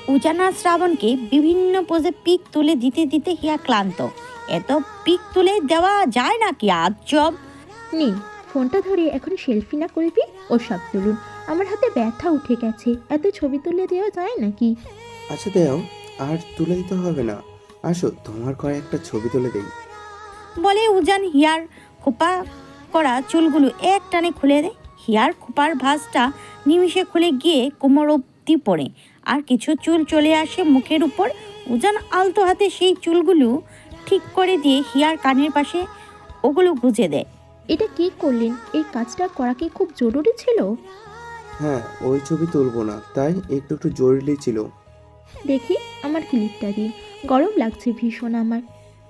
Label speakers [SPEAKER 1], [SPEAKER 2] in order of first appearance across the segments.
[SPEAKER 1] উজান আর শ্রাবণকে বিভিন্ন পোজে পিক তুলে দিতে দিতে হিয়া ক্লান্ত। এত পিক তুলে দেওয়া যায় নাকি আজব।
[SPEAKER 2] নেই, ফোনটা ধরে এখন সেলফি না করবি, ও সব তুলুন। আমার হাতে ব্যথা উঠে গেছে, এত ছবি তুলে দেওয়া যায় নাকি?
[SPEAKER 3] আচ্ছা দেও, আর তুলে দিতে হবে না। আসো তোমার কয়েকটা ছবি তুলে দেই।
[SPEAKER 1] বলে উজান হিয়ার খোপা করা চুলগুলো এক টানে খুলে দেয়। হিয়ার খোপার ভাঁজটা নিমিষে খুলে গিয়ে কোমর অব্দি পড়ে, আর কিছু চুল চলে আসে মুখের উপর। উজান আলতো হাতে সেই চুলগুলো ঠিক করে দিয়ে হিয়ার কানের পাশে ওগুলো গুজে দেয়।
[SPEAKER 2] এটা কি করলেন? এই কাজটা করা কি খুব জরুরি ছিল?
[SPEAKER 3] হ্যাঁ, ওই ছবি তুলবো না, তাই একটু একটু জরুরি ছিল।
[SPEAKER 2] দেখি আমার ক্লিপটা দিন, গরম লাগছে ভীষণ আমার।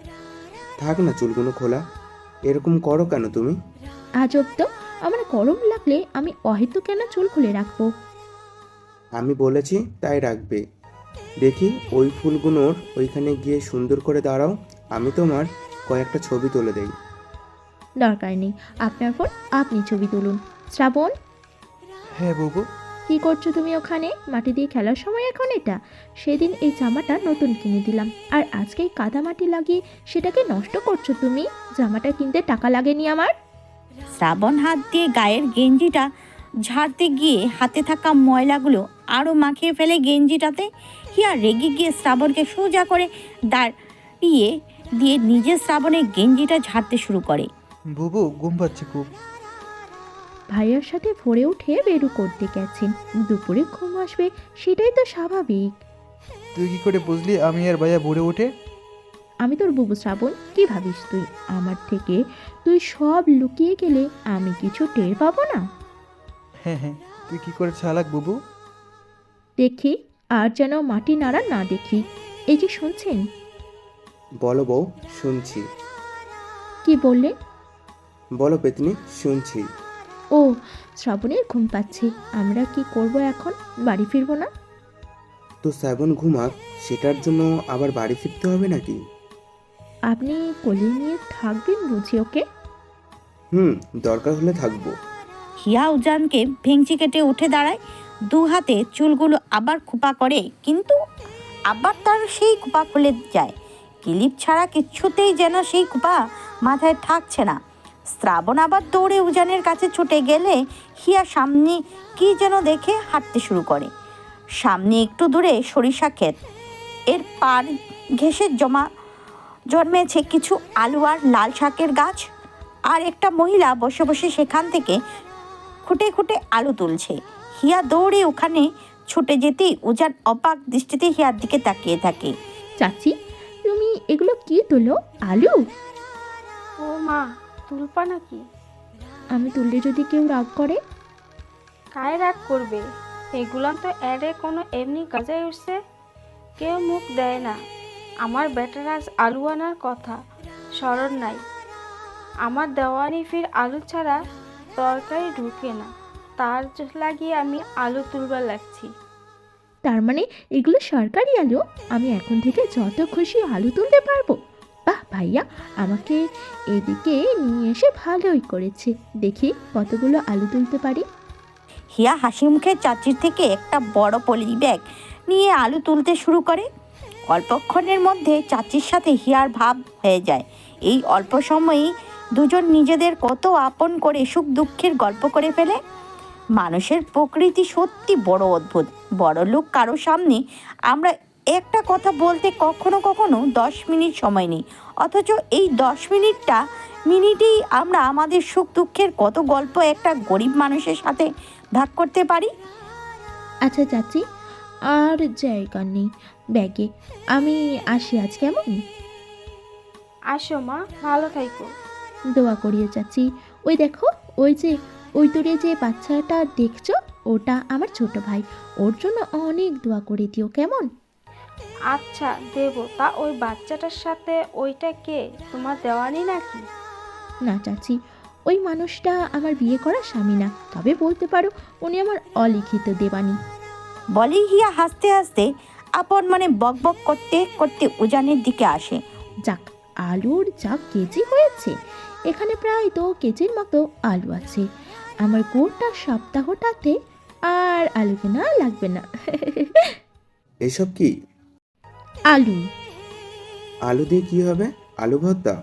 [SPEAKER 3] থাক না চুলগুলো খোলা, এরকম করো কেন তুমি?
[SPEAKER 2] আজব তো, আমার গরম লাগলে আমি অহেতু কেন চুল খুলে রাখবো?
[SPEAKER 3] আমি বলেছি তাই রাখবে। দেখি ওই ফুলগুলোর ওইখানে গিয়ে সুন্দর করে দাঁড়াও, আমি তোমার কয়েকটা ছবি তুলে দেই।
[SPEAKER 2] দরকার নেই, আপনার ফোন, আপনি ছবি তুলুন। শ্রাবণ,
[SPEAKER 4] হ্যাঁ বুবু।
[SPEAKER 2] কি করছো তুমি ওখানে? মাটি দিয়ে খেলার সময় এখন এটা? সেদিন এই জামাটা নতুন কিনে দিলাম, আর আজকে এই কাদা মাটি লাগিয়ে সেটাকে নষ্ট করছো তুমি? জামাটা কিনতে টাকা লাগেনি আমার?
[SPEAKER 1] শ্রাবণ হাত দিয়ে গায়ের গেঞ্জিটা ঝাড়তে গিয়ে হাতে থাকা ময়লাগুলো আরও মাখিয়ে ফেলে গেঞ্জিটাতে। হিয়া রেগে গিয়ে শ্রাবণকে সোজা করে দাঁড়িয়ে দিয়ে নিজের শ্রাবণের গেঞ্জিটা ঝাড়তে শুরু করে।
[SPEAKER 4] বুবু ঘুম পাচ্ছে খুব।
[SPEAKER 2] ভাইয়ার সাথে ভোরে উঠে বেরু করতে গেছেন, দুপুরে ঘুম আসবে, সেটাই তো স্বাভাবিক।
[SPEAKER 4] তুই কি করে বুঝলি আমি আর ভাইয়া ভরে ওঠে?
[SPEAKER 2] আমি তোর বুবু শ্রাবণ, কি ভাবিস তুই আমার থেকে? তুই সব লুকিয়ে গেলে আমি কিছু টের পাবো না?
[SPEAKER 4] হ্যাঁ হ্যাঁ, তুই কি করে চালাক বুবু।
[SPEAKER 2] দেখি, আর যেন মাটি নাড়া না দেখি। এই যে শুনছেন?
[SPEAKER 3] বলো বউ, শুনছি।
[SPEAKER 2] কি বললে?
[SPEAKER 3] বলো পেতনি, শুনছি।
[SPEAKER 2] ও, শ্রাবণের ঘুম পাচ্ছে, আমরা কি করব এখন? বাড়ি ফিরবো না?
[SPEAKER 3] তো শ্রাবণ ঘুমাক, সেটার জন্য আবার বাড়ি ফিরতে হবে নাকি?
[SPEAKER 2] আপনি কোলে নিয়ে থাকবেন বুঝি ওকে?
[SPEAKER 3] দরকার হলে থাকবো।
[SPEAKER 1] হিয়া উজানকে ভেঙচি কেটে উঠে দাঁড়ায়, দু হাতে চুলগুলো আবার খোপা করে, কিন্তু আবার তার সেই খোপা খুলে যায়। ক্লিপ ছাড়া কিছুতেই যেন সেই খোপা মাথায় থাকছে না। শ্রাবণ আবার দৌড়ে উজানের কাছে ছুটে গেলে হিয়া সামনে কি যেন দেখে হাঁটতে শুরু করে। সামনে একটু দূরে সরিষা ক্ষেত, এর পার ঘেঁষে জন্মেছে কিছু আলু আর লাল শাকের গাছ, আর একটা মহিলা বসে বসে সেখান থেকে খুঁটে খুঁটে আলু তুলছে। হিয়া দৌড়ে ওখানে ছুটে যেতেই উজান অবাক দৃষ্টিতে হিয়ার দিকে তাকিয়ে থাকে।
[SPEAKER 2] চাচি, তুমি এগুলো কি তুলো? আলু?
[SPEAKER 5] ও মা, তুলপা নাকি?
[SPEAKER 2] আমি তুললে যদি কেউ রাগ করে?
[SPEAKER 5] কায় রাগ করবে? এগুলান তো এরে কোনো এমনি গাজায় উঠছে, কেউ মুখ দেয় না। আমার বেটার আজ আলু আনার কথা, স্মরণ নাই। আমার দেওয়ানি ফির আলু ছাড়া তরকারি ঢুকে না, তার লাগিয়ে আমি আলু তুলবার লাগছি।
[SPEAKER 2] তার মানে এগুলো সরকারি আলু? আমি এখন থেকে যত খুশি আলু তুলতে পারবো? বাহ ভাইয়া, আমাকে এদিকে নিয়ে এসে ভালোই করেছে। দেখি কতগুলো আলু তুলতে পারি।
[SPEAKER 1] হিয়া হাসি মুখে চাচির থেকে একটা বড় পলি ব্যাগ নিয়ে আলু তুলতে শুরু করে। অল্পক্ষণের মধ্যে চাচির সাথে হিয়ার ভাব হয়ে যায়। এই অল্প সময়েই দুজন নিজেদের কত আপন করে সুখ দুঃখের গল্প করে ফেলে। মানুষের প্রকৃতি সত্যি বড় অদ্ভুত। বড় লোক কারো সামনে আমরা একটা কথা বলতে কখনো কখনো 10 মিনিট সময় নিই, অথচ এই 10 মিনিটেই আমরা আমাদের সুখ দুঃখের কত গল্প একটা গরিব মানুষের সাথে ভাগ করতে পারি।
[SPEAKER 2] আচ্ছা চাচি, আর জায়গা নেই ব্যাগে, আমি আসি আজ, কেমন?
[SPEAKER 5] আসো মা, ভালো থাইকো।
[SPEAKER 2] দোয়া করিও চাচি। ওই দেখো, ওই যে ওই দূরে যে বাচ্চাটা দেখছো, ওটা আমার ছোট ভাই। ওর জন্য অনেক দোয়া করে দিও, কেমন?
[SPEAKER 5] আচ্ছা দেব। তা ওই বাচ্চাটার সাথে ওইটা কে, তোমার দেওয়ানি নাকি?
[SPEAKER 2] না চাচি, ওই মানুষটা আমার বিয়ে করা স্বামী না, তবে বলতে পারো উনি আমার অলিখিত দেবানি।
[SPEAKER 1] বলি হিয়া হাসতে হাসতে আপন মনে বক বক করতে করতে উজানের দিকে আসে।
[SPEAKER 2] যাক, আলুর যা কেজি হয়েছে, এখানে প্রায় 2 কেজির মতো আলু আছে। আমার গোটা সপ্তাহটাতে আর আলু কেনা লাগবে না।
[SPEAKER 3] এসব কি?
[SPEAKER 2] আলু।
[SPEAKER 3] আলু দিয়ে কি হবে? আলু ভর্তা?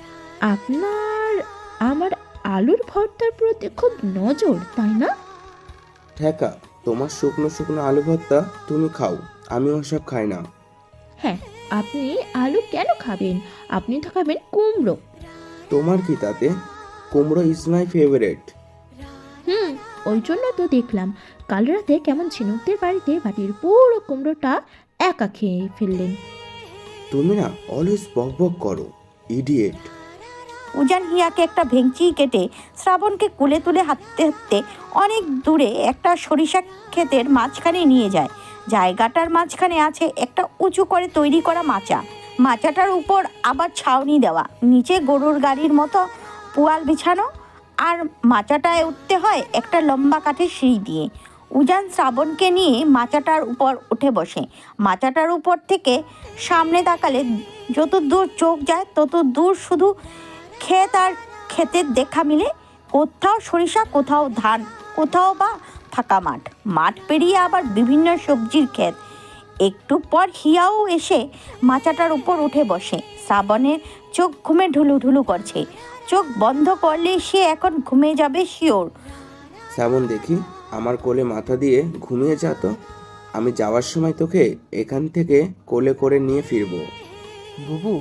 [SPEAKER 2] আপনার আমার আলুর ভর্তার প্রতি খুব নজর, তাই না?
[SPEAKER 3] ঠেকা, তোমার শুকনো শুকনো আলু ভর্তা তুমি খাও, আমি ওসব খাই না।
[SPEAKER 2] হ্যাঁ, আপনি আলু কেন খাবেন? আপনি তো খাবেন কুমড়ো।
[SPEAKER 3] তোমার কি তাতে? কুমড়ো ইজ মাই ফেভারিট।
[SPEAKER 2] হুম, ওই জন্য তো দেখলাম কাল রাতে কেমন ঝিনুকদের বাড়িতে বাটির পুরো কুমড়োটা একা খেয়ে ফেললেন।
[SPEAKER 3] তুমি না অলওয়েজ বক বক করো, ইডিয়েট।
[SPEAKER 1] উজান হিয়াকে একটা ভেঙচি কেটে শ্রাবণকে কোলে তুলে হাঁটতে হাঁটতে অনেক দূরে একটা সরিষা ক্ষেতের মাঝখানে নিয়ে যায়। জায়গাটার মাঝখানে আছে একটা উঁচু করে তৈরি করা মাচা। মাচাটার উপর আবার ছাউনি দেওয়া, নিচে গরুর গাড়ির মতো পুয়াল বিছানো, আর মাচাটায় উঠতে হয় একটা লম্বা কাঠের সিঁড়ি দিয়ে। উজান শ্রাবণকে নিয়ে মাচাটার উপর উঠে বসে। মাচাটার উপর থেকে সামনে তাকালে যত দূর চোখ যায় তত দূর শুধু ক্ষেত আর ক্ষেতের দেখা মিলে। কোথাও সরিষা, কোথাও ধান, কোথাও বা ফাঁকা মাঠ। মাঠ পেরিয়ে আবার বিভিন্ন সবজির ক্ষেত। একটু পর হিয়াও এসে মাচাটার উপর উঠে বসে। শ্রাবণের চোখ ঘুমে ঢুলুঢুলু করছে। চোখ বন্ধ করলে সে এখন ঘুমে যাবে শিওর।
[SPEAKER 3] শ্রাবণ দেখি, আমার কোলে মাথা দিয়ে ঘুমিয়ে যা তো। আমি যাওয়ার সময় তোকে এখান থেকে কোলে করে নিয়ে ফিরবো।
[SPEAKER 4] বুবু,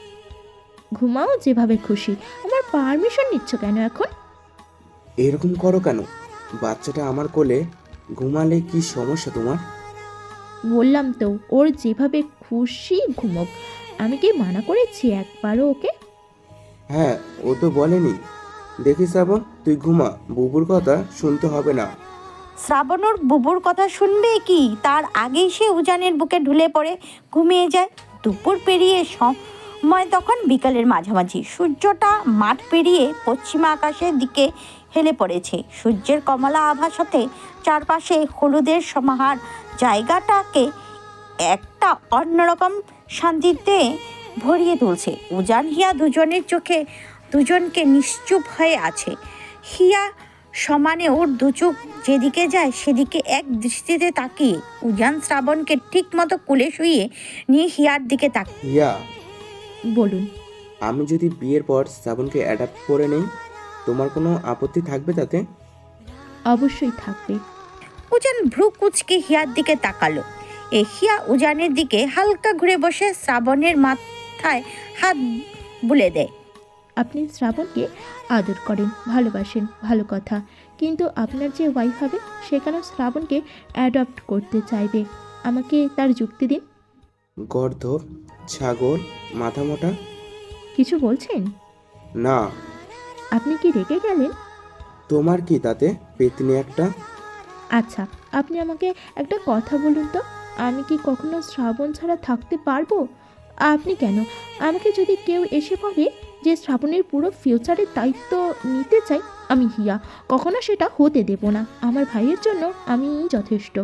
[SPEAKER 2] ঘুমাও যেভাবে খুশি, আমার পারমিশন নিচ্ছ কেন এখন?
[SPEAKER 3] এরকম করো কেন? বাচ্চাটা আমার কোলে ঘুমালে কি সমস্যা তোমার?
[SPEAKER 2] বললাম তো ওর যেভাবে খুশি ঘুমোক। আমি কি মানা করেছি একবারও ওকে?
[SPEAKER 3] হ্যাঁ, ও তো বলেনি। দেখি শ্রাবণ, তুই ঘুমা, বুবুর কথা শুনতে হবে না।
[SPEAKER 1] শ্রাবণর বুবুর কথা শুনবে কি, তার আগেই সে উজানের বুকে ঢুলে পড়ে ঘুমিয়ে যায়। দুপুর পেরিয়ে সময় তখন বিকালের মাঝামাঝি। সূর্যটা মাঠ পেরিয়ে পশ্চিমা আকাশের দিকে হেলে পড়েছে। সূর্যের কমলা আভার সাথে চারপাশে হলুদের সমাহার জায়গাটাকে একটা অন্যরকম শান্তিতে ভরিয়ে তুলছে। উজান হিয়া দুজনের চোখে দুজনকে নিশ্চুপ হয়ে আছে। হিয়া সমানে ওর দু চোখ যেদিকে যায় সেদিকে এক দৃষ্টিতে তাকিয়ে। উজান শ্রাবণকে ঠিক মতো কোলে শুইয়ে নিয়ে হিয়ার দিকে তাকিয়ে।
[SPEAKER 3] ইয়া,
[SPEAKER 2] বলুন।
[SPEAKER 3] আমি যদি বিয়ের পর শ্রাবণকে অ্যাডাপ্ট করে নেই, তোমার কোনো আপত্তি থাকবে তাতে?
[SPEAKER 2] অবশ্যই থাকবে।
[SPEAKER 1] উজান ভ্রু কুচকে হিয়ার দিকে তাকালো। হিয়া উজানের দিকে হালকা ঘুরে বসে শ্রাবণের মাথায় হাত বুলে দেয়।
[SPEAKER 2] আপনি শ্রাবণকে আদর করেন, ভালোবাসেন, ভালো কথা, কিন্তু আপনার যে ওয়াইফ হবে সে কেন শ্রাবণকে অ্যাডপ্ট করতে চাইবে? আমাকে তার যুক্তি দিন।
[SPEAKER 3] গর্ধব, ছাগল, মাথা মোটা।
[SPEAKER 2] কিছু বলছেন?
[SPEAKER 3] না।
[SPEAKER 2] আপনি কি রেগে গেলেন?
[SPEAKER 3] তোমার কি তাতে, পেতনি একটা?
[SPEAKER 2] আচ্ছা, আপনি আমাকে একটা কথা বলুন তো, আমি কি কখনো শ্রাবণ ছাড়া থাকতে পারবো? আপনি কেন, আমাকে যদি কেউ এসে বলে যে শ্রাবণের পুরো ফিউচারের দায়িত্ব নিতে চাই, আমি হিয়া কখনো সেটা হতে দেব না। আমার ভাইয়ের জন্য আমি যথেষ্ট।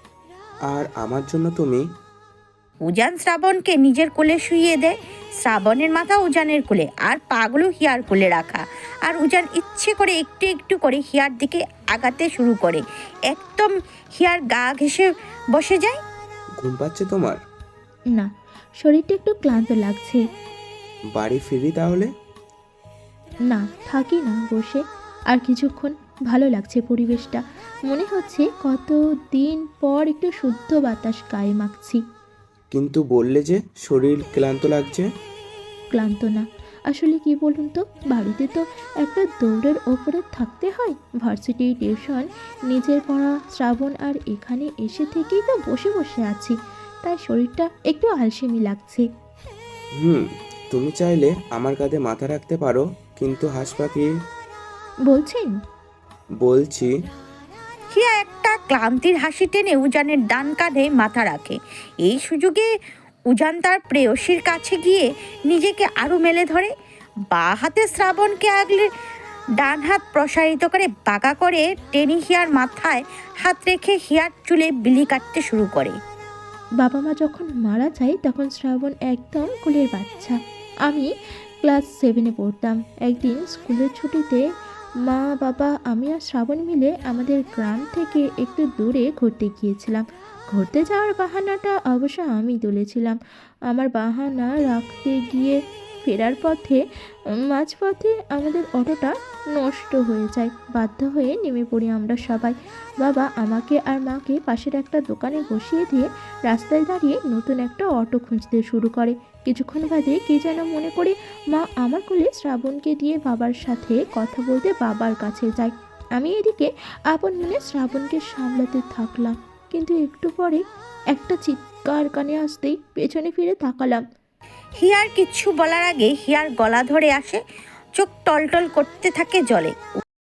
[SPEAKER 3] আর আমার জন্য তুমি?
[SPEAKER 1] উজান শ্রাবণকে নিজের কোলে শুইয়ে দেয়। শ্রাবণের মাথা উজানের কোলে আর পাগুলো হিয়ার কোলে রাখা। আর উজান ইচ্ছে করে একটু একটু করে হিয়ার দিকে আগাতে শুরু করে। একদম হিয়ার গা ঘেঁষে বসে যায়।
[SPEAKER 3] ঘুম পাচ্ছে তোমার?
[SPEAKER 2] না, শরীরটা একটু ক্লান্ত লাগছে।
[SPEAKER 3] বাড়ি ফিরি তাহলে?
[SPEAKER 2] না, থাকি না, বসে আর কিছুক্ষণ। ভালো লাগছে পরিবেশটা, মনে হচ্ছে কত দিন পর একটু শুদ্ধ বাতাস গায়ে মাখছি।
[SPEAKER 3] কিন্তু বললে যে শরীর ক্লান্ত লাগছে।
[SPEAKER 2] ক্লান্ত না, আসলে কি বলুন তো, বাড়িতে তো একটা দৌড়ের ওপরে থাকতে হয়, ভার্সিটি, টিউশন, নিজের পড়া, শ্রাবণ, আর এখানে এসে থেকেই তো বসে বসে আছি, তাই শরীরটা একটু আলসেমি লাগছে।
[SPEAKER 3] তুমি চাইলে আমার কাঁধে মাথা রাখতে পারো, কিন্তু হাঁস পাখি।
[SPEAKER 2] বলছেন?
[SPEAKER 3] বলছি।
[SPEAKER 1] হিয়া একটা ক্লান্তির হাসি টেনে উজানের ডান কাঁধে মাথা রাখে। এই সুযোগে উজান তার প্রেয়সীর কাছে গিয়ে নিজেকে আরও মেলে ধরে। বা হাতে শ্রাবণকে আগলে ডান হাত প্রসারিত করে বাঁকা করে টেনে হিয়ার মাথায় হাত রেখে হিয়ার চুলে বিলি কাটতে শুরু করে।
[SPEAKER 2] বাবা মা যখন মারা যায় তখন শ্রাবণ একদম কোলের বাচ্চা। আমি ক্লাস 7-এ পড়তাম। একদিন স্কুলের ছুটিতে মা, বাবা, আমি আর শ্রাবণ মিলে আমাদের গ্রাম থেকে একটু দূরে ঘুরতে গিয়েছিলাম। ঘুরতে যাওয়ার বাহানাটা অবশ্য আমি তুলেছিলাম। আমার বাহানা রাখতে গিয়ে ফেরার পথে মাঝপথে আমাদের অটোটা নষ্ট হয়ে যায়। বাধ্য হয়ে নেমে পড়ি আমরা সবাই। বাবা আমাকে আর মাকে পাশের একটা দোকানে বসিয়ে দিয়ে রাস্তায় দাঁড়িয়ে নতুন একটা অটো খুঁজতে শুরু করে। কিছুক্ষণ বাদে কে যেন মনে করে মা আমার কোলে শ্রাবণকে দিয়ে বাবার সাথে কথা বলতে বাবার কাছে যায়। আমি এদিকে আপন মনে শ্রাবণকে সামলাতে থাকলাম, কিন্তু একটু পরে একটা চিৎকার কানে আসতেই পেছনে ফিরে তাকালাম।
[SPEAKER 1] হিয়ার কিচ্ছু বলার আগে হিয়ার গলা ধরে আসে, চোখ টলটল করতে থাকে জলে।